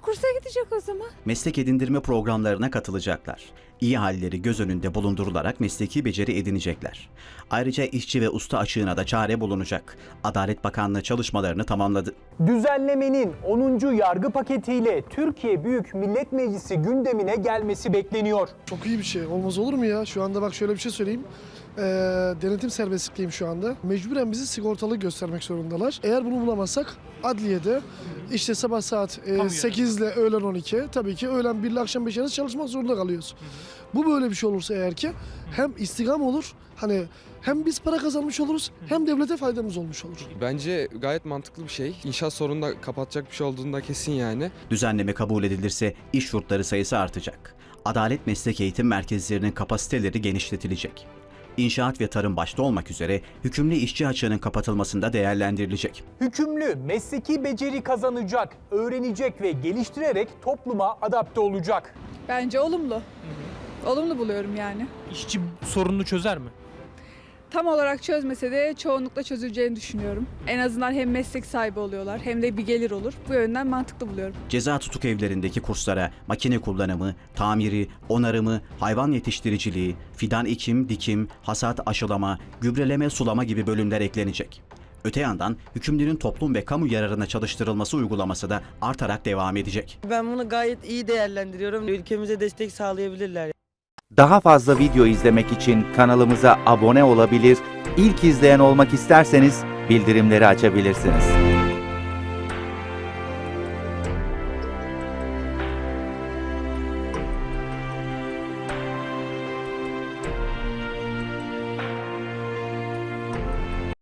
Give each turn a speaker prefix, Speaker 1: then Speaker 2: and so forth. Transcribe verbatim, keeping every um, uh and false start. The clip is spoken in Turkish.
Speaker 1: kursa gidecek o zaman.
Speaker 2: Meslek edindirme programlarına katılacaklar. İyi halleri göz önünde bulundurularak mesleki beceri edinecekler. Ayrıca işçi ve usta açığına da çare bulunacak. Adalet Bakanlığı çalışmalarını tamamladı.
Speaker 3: Düzenlemenin onuncu yargı paketiyle Türkiye Büyük Millet Meclisi gündemine gelmesi bekleniyor.
Speaker 4: Çok iyi bir şey. Olmaz olur mu ya? Şu anda bak şöyle bir şey söyleyeyim. Ee, denetim serbestliğim şu anda. Mecburen bizi sigortalı göstermek zorundalar. Eğer bunu bulamazsak adliyede işte sabah saat e, sekiz ile öğlen on iki, tabii ki öğlen bir ile akşam beş arası çalışmak zorunda kalıyoruz. Bu böyle bir şey olursa eğer ki hem istigam olur, hani hem biz para kazanmış oluruz hem devlete faydamız olmuş olur.
Speaker 5: Bence gayet mantıklı bir şey. İnşaat sorunu da kapatacak bir şey olduğunda kesin yani.
Speaker 2: Düzenleme kabul edilirse iş yurtları sayısı artacak. Adalet meslek eğitim merkezlerinin kapasiteleri genişletilecek. İnşaat ve tarım başta olmak üzere hükümlü işçi açığının kapatılmasında değerlendirilecek.
Speaker 3: Hükümlü mesleki beceri kazanacak, öğrenecek ve geliştirerek topluma adapte olacak.
Speaker 6: Bence olumlu. Olumlu buluyorum yani.
Speaker 7: İşçi sorununu çözer mi?
Speaker 6: Tam olarak çözmese de çoğunlukla çözüleceğini düşünüyorum. En azından hem meslek sahibi oluyorlar hem de bir gelir olur. Bu yönden mantıklı buluyorum.
Speaker 2: Ceza tutuk evlerindeki kurslara makine kullanımı, tamiri, onarımı, hayvan yetiştiriciliği, fidan ekim, dikim, hasat, aşılama, gübreleme, sulama gibi bölümler eklenecek. Öte yandan hükümlünün toplum ve kamu yararına çalıştırılması uygulaması da artarak devam edecek.
Speaker 8: Ben bunu gayet iyi değerlendiriyorum. Ülkemize destek sağlayabilirler.
Speaker 9: Daha fazla video izlemek için kanalımıza abone olabilir, ilk izleyen olmak isterseniz bildirimleri açabilirsiniz.